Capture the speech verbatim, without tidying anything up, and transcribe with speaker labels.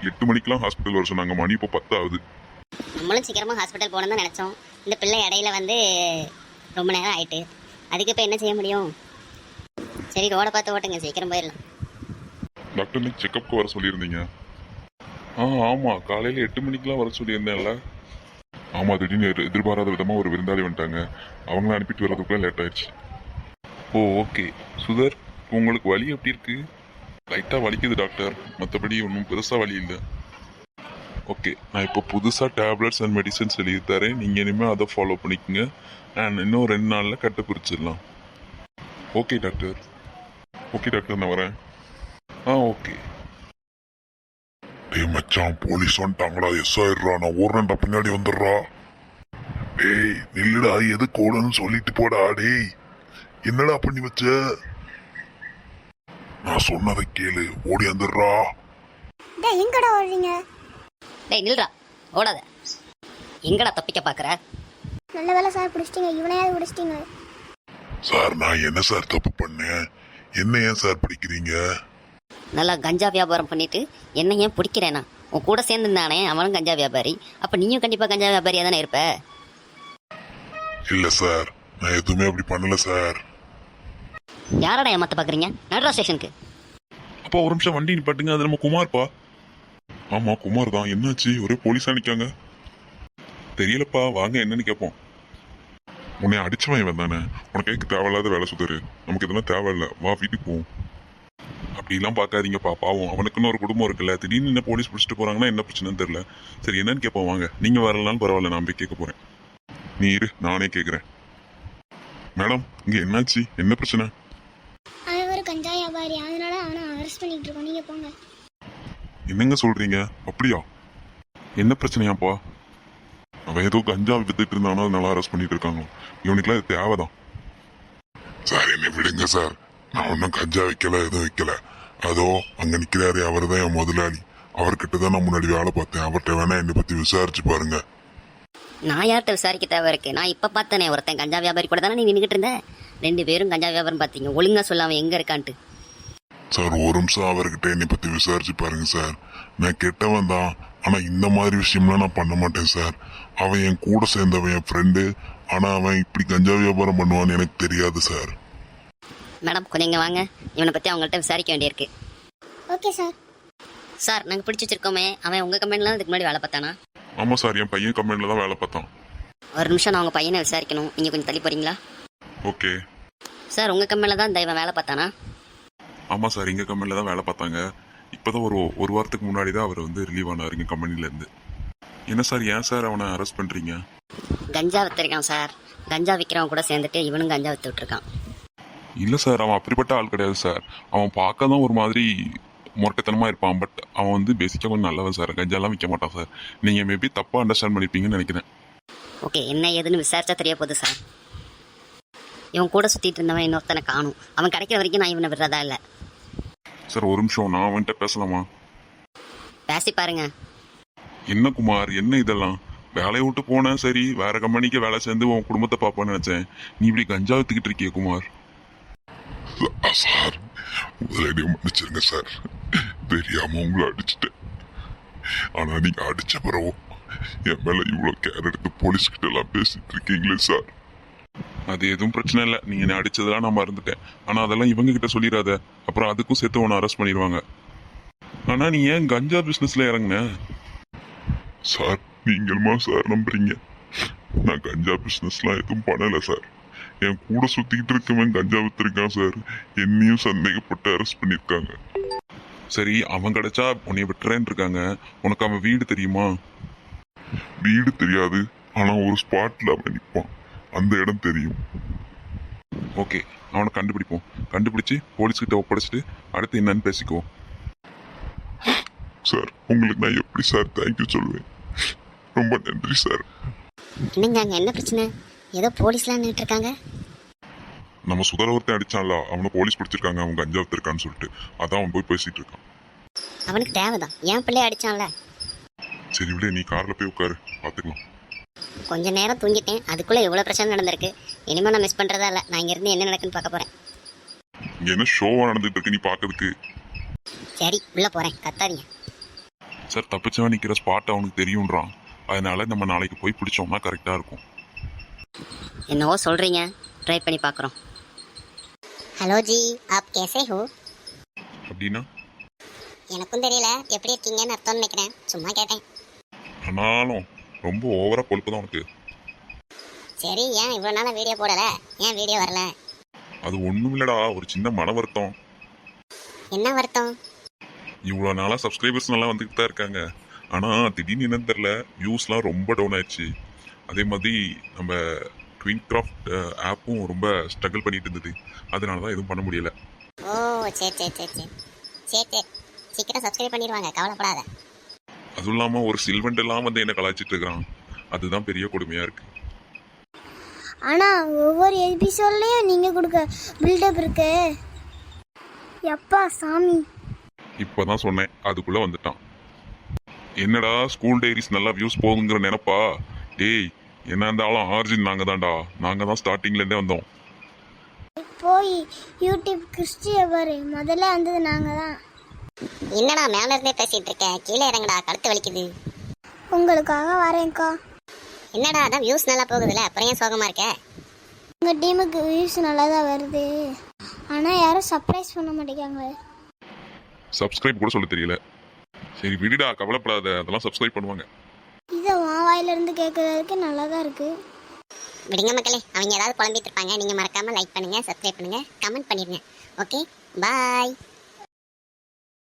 Speaker 1: எட்டு மணிக்கெல்லாம் ஹாஸ்பிட்டல் வர சொன்னாங்க. மணி இப்போ பத்தாவது.
Speaker 2: நம்மளும் சீக்கிரமாக ஹாஸ்பிட்டல் போகணும்னு தான் நினச்சோம். இந்த பிள்ளை இடையில வந்து ரொம்ப நேரம் ஆயிட்டு. அதுக்கு இப்போ என்ன செய்ய முடியும்? சரி, ரோடை பார்த்து ஓட்டுங்க, சீக்கிரம் போயிடலாம்.
Speaker 1: டாக்டர் நீ செக்கப்புக்கு வர சொல்லியிருந்தீங்க. ஆ ஆமாம், காலையில் எட்டு மணிக்கெலாம் வர சொல்லியிருந்தேன்ல. ஆமாம், திடீர்னு எதிர்- எதிர்பாராத விதமாக ஒரு விருந்தாளி வந்துட்டாங்க. அவங்கள அனுப்பிட்டு வர்றதுக்குள்ள லேட் ஆயிடுச்சு. ஓ ஓகே. சுதர், உங்களுக்கு வலி எப்படி இருக்கு? லைட்டாக வலிக்குது டாக்டர், மற்றபடி ஒன்றும் பெருசாக வலி இல்லை. ஓகே, நான் இப்போ புதுசாக டேப்லெட்ஸ் அண்ட் மெடிசன்ஸ் எழுதி தரேன். நீங்கள் இனிமேல் அதை ஃபாலோ பண்ணிக்கோங்க. அண்ட் இன்னும் ரெண்டு நாளில் கட்டு பிரிச்சிடலாம். Okay doctor. ஓகே டாக்டர், நான் வரேன். ஆ ஓகே. டேய் மச்சான், போலீஸ் வந்துட்டாங்கடா. எஸ் ஆயிடுறா, நான் ஓடுறேன்டா, பின்னாடி வந்துடுறா. டேய் நில்லுடா, எது கோடன்னு சொல்லிட்டு போடா. டேய் என்னடா பண்ணி வச்ச? நான் சொன்னதை கேளு, ஓடி வந்துடுறா.
Speaker 3: டேய் எங்கடா ஓடுறீங்க?
Speaker 2: டேய் நில்றா, ஓடாத. எங்கடா தப்பிக்க பார்க்குற?
Speaker 3: நல்ல வேலை சார், பிடிச்சிட்டீங்க. இவனையாவது பிடிச்சிட்டீங்க.
Speaker 1: சார் நான் என்ன சார் தப்பு பண்ணேன்? என்ன ஏன் சார் பிடிக்கிறீங்க?
Speaker 2: நல்லா கஞ்சா வியாபாரம் பண்ணிட்டு என்ன ஏன் பிடிக்கிறேனா? உன் கூட சேர்ந்துருந்தானே அவனும் கஞ்சா வியாபாரி. அப்போ நீயும் கண்டிப்பாக கஞ்சா வியாபாரியாக தானே இருப்ப.
Speaker 1: இல்ல சார், நான் எதுவுமே அப்படி பண்ணல சார்.
Speaker 2: யாரடா ஏமாத்த பார்க்குறீங்க? நடுறா ஸ்டேஷனுக்கு.
Speaker 1: அப்பா ஒரு நிமிஷம், வண்டி நிப்பாட்டுங்க. அது நம்ம குமார்ப்பா. ஆமா குமார் தான். என்னாச்சு? ஒரே போலீஸா நிக்காங்க. தெரியலப்பா, வாங்க என்னன்னு கேட்போம். உன்னை அடிச்சவன் இவன் தானே. உனக்கு எதுக்கு தேவையில்லாத வேலை சுத்தரு? நமக்கு இதெல்லாம் தேவையில்ல, வா வீட்டுக்கு போவோம். அப்படிலாம் பார்க்காதீங்கப்பா, பாவம் அவனுக்குன்னு ஒரு குடும்பம் இருக்குல்ல. திடீர்னு என்ன போலீஸ் பிடிச்சிட்டு போறாங்கன்னா என்ன பிரச்சனைன்னு தெரியல. சரி என்னன்னு கேட்போம் வாங்க. நீங்க வரலனாலும் பரவாயில்ல, நான் போய் கேட்க போறேன். நீ இரு, நானே கேட்குறேன். மேடம் இங்க என்னாச்சு? என்ன பிரச்சனை?
Speaker 3: அவன் ஒரு கஞ்சா வியாபாரி, அதனால அவனை அரெஸ்ட் பண்ணிட்டு இருக்கோம். நீங்க போங்க.
Speaker 1: என்னங்க சொல்றீங்க? அப்படியா? என்ன பிரச்சனையாப்பா? அவன் ஏதோ கஞ்சா வித்துட்டு இருந்தானோ, அதனால அரெஸ்ட் பண்ணிட்டு இருக்காங்க. இவனுக்குலாம் இது தேவைதான். சார் என்ன விடுங்க சார், நான் ஒன்றும் கஞ்சா வைக்கல, எதுவும் வைக்கல. அதோ அங்க நிக்கிறாரு, அவர் தான் என் முதலாளி. அவர்கிட்ட தான் நான் முன்னாடி வேலை பார்த்தேன். அவர்கிட்ட வேணா என்னை பத்தி விசாரிச்சு பாருங்க.
Speaker 2: நான் யார்கிட்ட விசாரிக்க தேவை இருக்கு? நான் இப்போ பார்த்தேனே, ஒருத்தன் கஞ்சா வியாபாரி கூட தானே நீ நின்றுக்கிட்டு இருந்த. ரெண்டு பேரும் கஞ்சா வியாபாரம் பார்த்தீங்க. ஒழுங்கா சொல்லாம எங்க இருக்கான்ட்டு.
Speaker 1: சார் ஒரு நிமிஷம் அவர்கிட்ட என்னை பத்தி விசாரிச்சு பாருங்க சார். நான் கெட்டவன் தான், ஆனா இந்த மாதிரி விஷயம்லாம் நான் பண்ண மாட்டேன் சார். அவன் என் கூட சேர்ந்தவன், என் ஃப்ரெண்டு. ஆனா அவன் இப்படி கஞ்சா வியாபாரம் பண்ணுவான்னு எனக்கு தெரியாது சார்.
Speaker 2: மேடம் கொஞ்சம் இங்கே வாங்க. இவனை பற்றி அவங்கள்ட்ட விசாரிக்க வேண்டியிருக்கு.
Speaker 3: Okay sir.
Speaker 2: சார் நாங்கள் பிடிச்சி வச்சிருக்கோமே, அவன் உங்கள் கம்பெனிலாம் இதுக்கு முன்னாடி வேலை பார்த்தானா?
Speaker 1: ஆமா சார், என் பையன் கம்பெனில தான் வேலை பார்த்தான்.
Speaker 2: ஒரு நிமிஷம், நான் உங்கள் பையனை விசாரிக்கணும். நீங்கள் கொஞ்சம் தள்ளி போகிறீங்களா?
Speaker 1: ஓகே.
Speaker 2: சார் உங்கள் கம்பெனியில் தான் இந்த இவன் வேலை பார்த்தானா?
Speaker 1: ஆமா சார், எங்க கம்பெனில தான் வேலை பார்த்தாங்க. இப்பதான் ஒரு ஒரு வாரத்துக்கு முன்னாடி தான் அவர் வந்து ரிலீவ் ஆனார் எங்க கம்பெனில இருந்து. என்ன சார், ஏன் சார் அவனை அரெஸ்ட் பண்றீங்க?
Speaker 2: கஞ்சா வித்துருக்கான் சார். கஞ்சா விற்கிறவன் கூட சேர்ந்துட்டு இவனும் கஞ்சா வித்து விட்டுருக்கான்.
Speaker 1: இல்ல சார், அவன் அப்படிப்பட்ட ஆள் கிடையாது சார். அவன் பார்க்க தான் ஒரு மாதிரி முரட்டத்தனமா இருப்பான். பட் அவன் வந்து பேசிக்கா கொஞ்சம் நல்லவன் சார். கஞ்சாலாம் விற்க மாட்டான் சார். நீங்க மேபி தப்பா அண்டர்ஸ்டாண்ட் பண்ணிருப்பீங்கன்னு நினைக்கிறேன்.
Speaker 2: ஓகே, என்ன ஏதுன்னு விசாரிச்சா தெரிய போகுது சார். இவன் கூட சுற்றிட்டு இருந்தவன் இன்னொருத்தனை காணும். அவன் கிடைக்கிற வரைக்கும் நான் இவனை விடுறதா இல்லை.
Speaker 1: சார் ஒரு நிமிஷம், நான் அவன்கிட்ட பேசலாமா?
Speaker 2: பேசி பாருங்க.
Speaker 1: என்ன குமார், என்ன இதெல்லாம்? வேலையை விட்டு போனேன், சரி வேற கம்பெனிக்கு வேலை சேர்ந்து உன் குடும்பத்தை பார்ப்பேன்னு நினைச்சேன். நீ இப்படி கஞ்சா வித்துக்கிட்டு இருக்கிய குமார். சார் முதலடியை மன்னிச்சிருங்க சார், தெரியாம உங்களை அடிச்சுட்டேன். ஆனா நீங்க அடிச்ச பிறகு என் மேல இவ்வளவு கேர் எடுத்து போலீஸ் கிட்ட எல்லாம் பேசிட்டு இருக்கீங்களே சார். அது எதுவும் பிரச்சனை இல்லை, நீங்க என்ன அடிச்சதெல்லாம் நான் மறந்துட்டேன். ஆனா அதெல்லாம் இவங்க கிட்ட சொல்லிடாத, அப்புறம் அதுக்கும் சேர்த்து உன்னை அரெஸ்ட் பண்ணிடுவாங்க. ஆனா நீ ஏன் கஞ்சா பிசினஸ்ல இறங்குன? சார் நீங்களுமா சார் நம்புறீங்க? நான் கஞ்சா பிசினஸ்லாம் எதுவும் பண்ணல சார். என் கூட சுத்திக்கிட்டு இருக்கவன் கஞ்சா வித்துருக்கான் சார். என்னையும் சந்தேகப்பட்டு அரெஸ்ட் பண்ணிருக்காங்க. சரி அவன் கிடைச்சா உன்னை விட்டுறேன்னு இருக்காங்க. உனக்கு அவன் வீடு தெரியுமா? வீடு தெரியாது, ஆனா ஒரு ஸ்பாட்ல அவன் நிற்பான், அந்த இடம் தெரியும். ஓகே, அவனை கண்டுபிடிப்போம். கண்டுபிடிச்சு போலீஸ்கிட்ட ஒப்படைச்சிட்டு அடுத்து என்னன்னு பேசிக்குவோம். சார் உங்களுக்கு நான் எப்படி சார் தேங்க்யூ சொல்லுவேன்? ரொம்ப நன்றி சார்.
Speaker 2: என்னங்க அங்கே என்ன பிரச்சனை? ஏதோ போலீஸ்லாம் நின்றுட்டு இருக்காங்க.
Speaker 1: நம்ம சுதரவர்த்தையும் அடிச்சான்ல, அவனை போலீஸ் பிடிச்சிருக்காங்க. அவன் கஞ்சா வித்துருக்கான்னு சொல்லிட்டு அதான் அவன் போய் பேசிட்டு இருக்கான்.
Speaker 2: அவனுக்கு தேவைதான், என் பிள்ளைய அடிச்சான்ல.
Speaker 1: சரி விட, நீ கார்ல போய் உட்காரு, பாத்துக்கலாம்.
Speaker 2: கொஞ்ச நேரம் தூங்கிட்டேன், அதுக்குள்ளே எவ்வளோ பிரச்சனை நடந்திருக்கு. இனிமேல் நான் மிஸ் பண்ணுறதா இல்லை. நான் இங்கேருந்து என்ன நடக்குன்னு பார்க்க போகிறேன்.
Speaker 1: இங்க என்ன ஷோவா நடந்துட்டு இருக்கு நீ பாக்கிறதுக்கு?
Speaker 2: சரி உள்ளே போகிறேன், கத்தாதீங்க.
Speaker 1: சார் தப்பிச்சவன் நிற்கிற ஸ்பாட் அவனுக்கு தெரியுன்றான். அதனால நம்ம நாளைக்கு போய் பிடிச்சோம்னா கரெக்டாக இருக்கும்.
Speaker 2: என்னவோ சொல்கிறீங்க, ட்ரை பண்ணி பார்க்குறோம். ஹலோ ஜி, ஆப் கேசே ஹோ?
Speaker 1: அப்படின்னா
Speaker 2: எனக்கும் தெரியல, எப்படி இருக்கீங்கன்னு அர்த்தம் நினைக்கிறேன், சும்மா கேட்டேன்.
Speaker 1: ஆனாலும் ரொம்ப ஓவராக கொழுப்பு தான் உனக்கு.
Speaker 2: சரி, ஏன் இவ்வளோ நாளாக வீடியோ போடலை? ஏன் வீடியோ வரல?
Speaker 1: அது ஒன்றும் இல்லடா, ஒரு சின்ன மன வருத்தம்.
Speaker 2: என்ன வருத்தம்?
Speaker 1: இவ்வளோ நாளாக சப்ஸ்கிரைபர்ஸ் நல்லா வந்துக்கிட்டு தான் இருக்காங்க. ஆனால் திடீர்னு என்னன்னு தெரில, வியூஸ்லாம் ரொம்ப டவுன் ஆயிடுச்சு. அதே மாதிரி நம்ம ட்வின் கிராஃப்ட் ஆப்பும் ரொம்ப ஸ்ட்ரகிள் பண்ணிட்டு இருந்தது. அதனால தான் எதுவும் பண்ண முடியல.
Speaker 2: ஓ சரி சரி சரி சரி சரி சரி சீக்கிரம் சப்ஸ்கிரைப் பண்ணிடுவாங்க, கவலைப்படாத.
Speaker 1: அதுவும் இல்லாமல் ஒரு சில்வெண்ட் எல்லாம் வந்து என்ன கலாய்ச்சிட்டு இருக்கிறான். அதுதான் பெரிய கொடுமையாக இருக்குது.
Speaker 3: ஆனால் ஒவ்வொரு எபிசோட்லேயும் நீங்கள் கொடுக்க பில்டப் இருக்கு. எப்பா சாமி.
Speaker 1: இப்போ தான் சொன்னேன், அதுக்குள்ளே வந்துட்டான். என்னடா ஸ்கூல் டைரிஸ் நல்லா வியூஸ் போகுங்கிற நினைப்பா? டேய், என்ன இருந்தாலும் ஆர்ஜின் நாங்கள் தான்டா. நாங்கள் தான் ஸ்டார்டிங்லேருந்தே வந்தோம்.
Speaker 3: போய் யூடியூப் கிறிஸ்டிய பாரு, முதல்ல வந்தது நாங்கள் தான்.
Speaker 2: என்னடா மேல இருந்தே பேசிட்டு இருக்க, கீழே இறங்கடா, கழுத்து வலிக்குது.
Speaker 3: உங்களுக்காக வரேன்க்கா.
Speaker 2: என்னடா அதான் வியூஸ் நல்லா போகுதுல்ல, அப்புறம் ஏன் சோகமா இருக்க?
Speaker 3: உங்கள் டீமுக்கு வியூஸ் நல்லா தான் வருது, ஆனால் யாரும் சர்ப்ரைஸ் பண்ண மாட்டேங்காங்க.
Speaker 1: சப்ஸ்கிரைப் கூட சொல்ல தெரியல. சரி விடுடா, கவலைப்படாத, அதெல்லாம் சப்ஸ்கிரைப் பண்ணுவாங்க.
Speaker 3: இதை உன் வாயிலிருந்து கேட்கறதுக்கு நல்லா தான் இருக்கு.
Speaker 2: விடுங்க மக்களே, அவங்க ஏதாவது குழம்பிட்டு இருப்பாங்க. நீங்கள் மறக்காமல் லைக் பண்ணுங்கள், சப்ஸ்கிரைப் பண்ணுங்கள், கமெண்ட் பண்ணிடுங்க. ஓகே, பாய்.